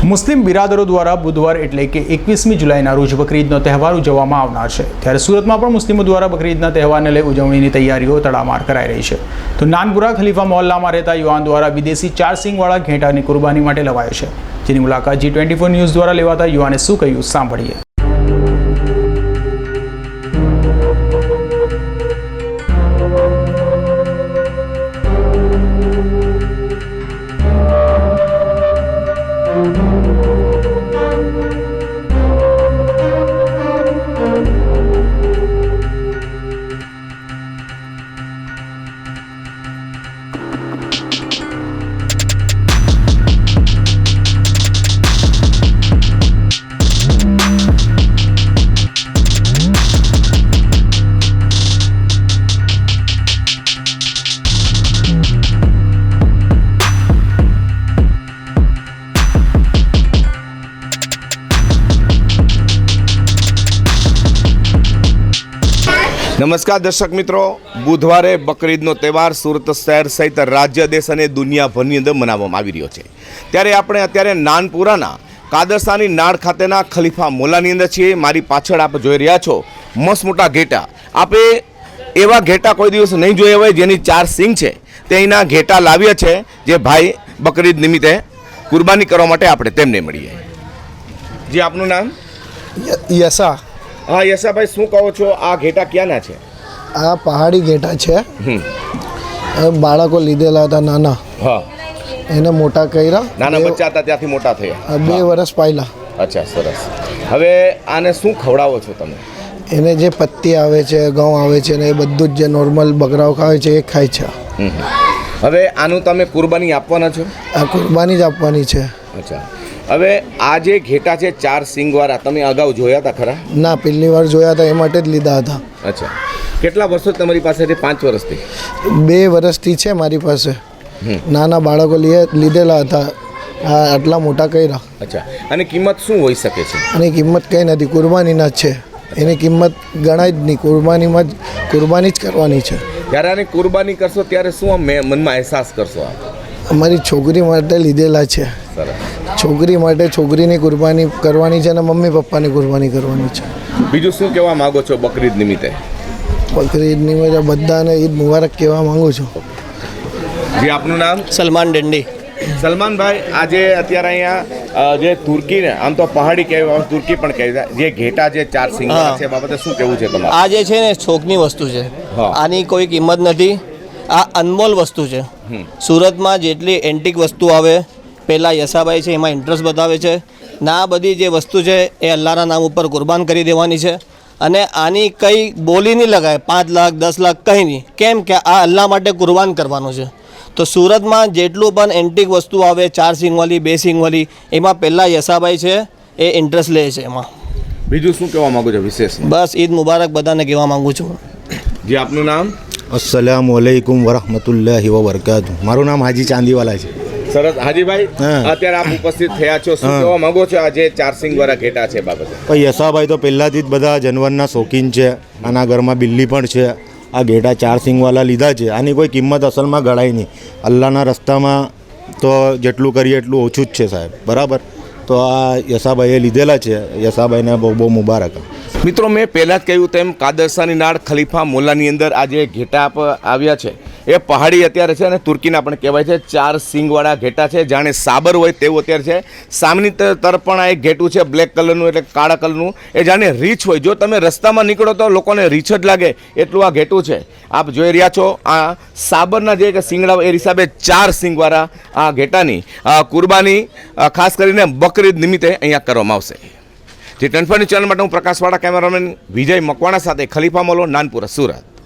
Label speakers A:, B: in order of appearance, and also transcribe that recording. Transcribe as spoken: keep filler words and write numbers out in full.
A: મુસ્લિમ બિરાદરો દ્વારા બુધવાર એટલે કે એકવીસમી જુલાઈના રોજ બકરીદનો તહેવાર ઉજવવામાં આવનાર છે। ત્યારે સુરતમાં પણ મુસ્લિમો દ્વારા બકરીદના તહેવારને લઈ ઉજવણીની તૈયારીઓ તડામાર કરાઈ રહી છે। તો નાનપુરા ખલીફા મોહલ્લામાં રહેતા યુવાન દ્વારા વિદેશી ચાર સિંગવાળા ઘેટાની કુરબાની માટે લવાયો છે, જેની મુલાકાત જી ટ્વેન્ટી ફોર ન્યૂઝ દ્વારા લેવાતા યુવાને શું કહ્યું સાંભળીએ।
B: નમસ્કાર દર્શક મિત્રો, બુધવારે બકરીદનો તહેવાર સુરત શહેર સહિત રાજ્ય દેશ અને દુનિયાભરની અંદર મનાવવામાં આવી રહ્યો છે। ત્યારે આપણે અત્યારે નાનપુરાના કાદરસાની નાળ ખાતેના ખલીફા મોલાની અંદર છીએ। મારી પાછળ આપ જોઈ રહ્યા છો મસ્ત મોટા ઘેટા। આપે એવા ઘેટા કોઈ દિવસ નહીં જોયા હોય જેની ચાર સિંગ છે, તે અહીંના ઘેટા લાવ્યા છે, જે ભાઈ બકરીદ નિમિત્તે કુરબાની કરવા માટે આપણે તેમને મળીએ। જી, આપનું નામ?
C: યસા।
B: હા યશાભાઈ, શું કહો છો, આ ઘેટા ક્યાંના છે?
C: આ પહાડી ઘેટા છે।
B: હમ
C: બાળકો લીધેલા હતા નાના,
B: હા,
C: એને મોટા કર્યા।
B: નાના બચ્ચા હતા ત્યાંથી મોટા થયા,
C: બે વર્ષ પહેલા।
B: અચ્છા, સરસ। હવે આને શું ખવડાવો છો તમે?
C: એને જે પત્તી આવે છે, ઘઉં આવે છે, ને એ બધું જ જે નોર્મલ બકરાઓ ખાય છે એ ખાય છે।
B: હવે આનું તમે કુરબાની આપવાના છો?
C: આ કુરબાની જ આપવાની છે।
B: અચ્છા, હવે આ જે ઘેટા છે ચાર સિંગવાળા, તમે અગાઉ જોયા હતા ખરા?
C: ના, પહેલી વાર જોયા હતા, એ માટે જ લીધા હતા।
B: અચ્છા, કેટલા વર્ષો તમારી પાસેથી? પાંચ વર્ષથી?
C: બે વર્ષથી છે મારી પાસે। નાના બાળકો લીધેલા હતા, આ આટલા મોટા કર્યા।
B: અચ્છા, અને કિંમત શું હોઈ શકે છે?
C: આની કિંમત કંઈ નથી, કુરબાનીના જ છે। એની કિંમત ગણાય જ નહીં, કુરબાનીમાં જ કુરબાની જ કરવાની છે।
B: જ્યારે આની કુરબાની કરશો ત્યારે શું આમ મનમાં અહેસાસ કરશો આપ?
C: અમારી છોકરી માટે લીધેલા છે।
B: સરસ।
C: છોકરી માટે છોકરીની કુરબાની કરવાની છે અને મમ્મી પપ્પાની કુરબાની કરવાની છે।
B: બીજું શું કહેવા માગો છો બકરીદ નિમિત્તે?
C: બકરીદ નિમિત્તે બધાને ઈદ મુબારક કહેવા માંગુ છું।
B: જી, આપનું નામ?
D: સલમાન ડંડી।
B: સલમાનભાઈ, આજે અત્યારે અહીંયા જે તુર્કીને આમ તો પહાડી કહેવાય, તુર્કી પણ કહેવાય, જે ઘેટા જે ચાર સિંગવાળા છે, બાબતે શું કહેવું છે તમારે?
D: આ જે છે ને શોખની વસ્તુ છે, આની કોઈ કિંમત નથી। આ અનમોલ વસ્તુ છે। સુરતમાં જેટલી એન્ટિક વસ્તુ આવે, પહેલાં યશાભાઈ છે એમાં ઇન્ટરેસ્ટ બતાવે છે ને આ બધી જે વસ્તુ છે એ અલ્લાહના નામ ઉપર કુરબાન કરી દેવાની છે। અને આની કંઈ બોલી નહીં લગાય, પાંચ લાખ દસ લાખ કંઈ નહીં, કેમ કે આ અલ્લાહ માટે કુરબાન કરવાનું છે। તો સુરતમાં જેટલું પણ એન્ટિક વસ્તુ આવે, ચાર સિંગવાળી, બે સિંગવાળી, એમાં પહેલાં યશાભાઈ છે એ ઇન્ટરેસ્ટ લે છે એમાં।
B: બીજું શું કહેવા માગો છો વિશેષ?
D: બસ ઈદ મુબારક બધાને કહેવા માગું છું।
B: જી, આપનું નામ?
E: અસ્સલામુ અલૈકુમ વરહમતુલ્લાહિ વબરકાતુહ। મારું નામ હાજી ચાંદીવાલા છે।
B: સરસ। હાજીભાઈ, અત્યારે આપ ઉપસ્થિત થયા છો, શું કહેવા માંગો છો આ જે ચાર સિંગવાળા ઘેટા છે બાબતે?
E: ભાઈ યશાભાઈ તો પહેલાંથી જ બધા જાનવરના શોખીન છે। આના ઘરમાં બિલ્લી પણ છે। આ ઘેટા ચાર સિંગવાળા લીધા છે, આની કોઈ કિંમત અસલમાં ગણાય નહીં। અલ્લાહના રસ્તામાં તો જેટલું કરીએ એટલું ઓછું જ છે સાહેબ, બરાબર? તો આ યશાભાઈએ લીધેલા છે, યશાભાઈને બહુ બહુ મુબારક।
B: મિત્રો, મેં પહેલાં જ કહ્યું તેમ કાદરસાની નાળ ખલીફા મોલ્લાની અંદર આ જે ઘેટા આવ્યા છે એ પહાડી અત્યારે છે અને તુર્કીના પણ કહેવાય છે, ચાર સિંગવાળા ઘેટા છે, જાણે સાબર હોય તેવું અત્યારે છે। સામેની તરફ પણ આ એક ઘેટું છે બ્લેક કલરનું, એટલે કાળા કલરનું, એ જાણે રીછ હોય। જો તમે રસ્તામાં નીકળો તો લોકોને રીછ જ લાગે એટલું આ ઘેટું છે। આપ જોઈ રહ્યા છો આ સાબરના જે સિંગડા એ હિસાબે ચાર સિંગવાળા આ ઘેટાની કુરબાની ખાસ કરીને બકરીદ નિમિત્તે અહીંયા કરવામાં આવશે। જે ટ્વેન્ટી ફોર ચેનલ માટે હું પ્રકાશવાળા કેમેરામેન વિજય મકવાણા સાથે ખલીફા મોલો, નાનપુરા, સુરત।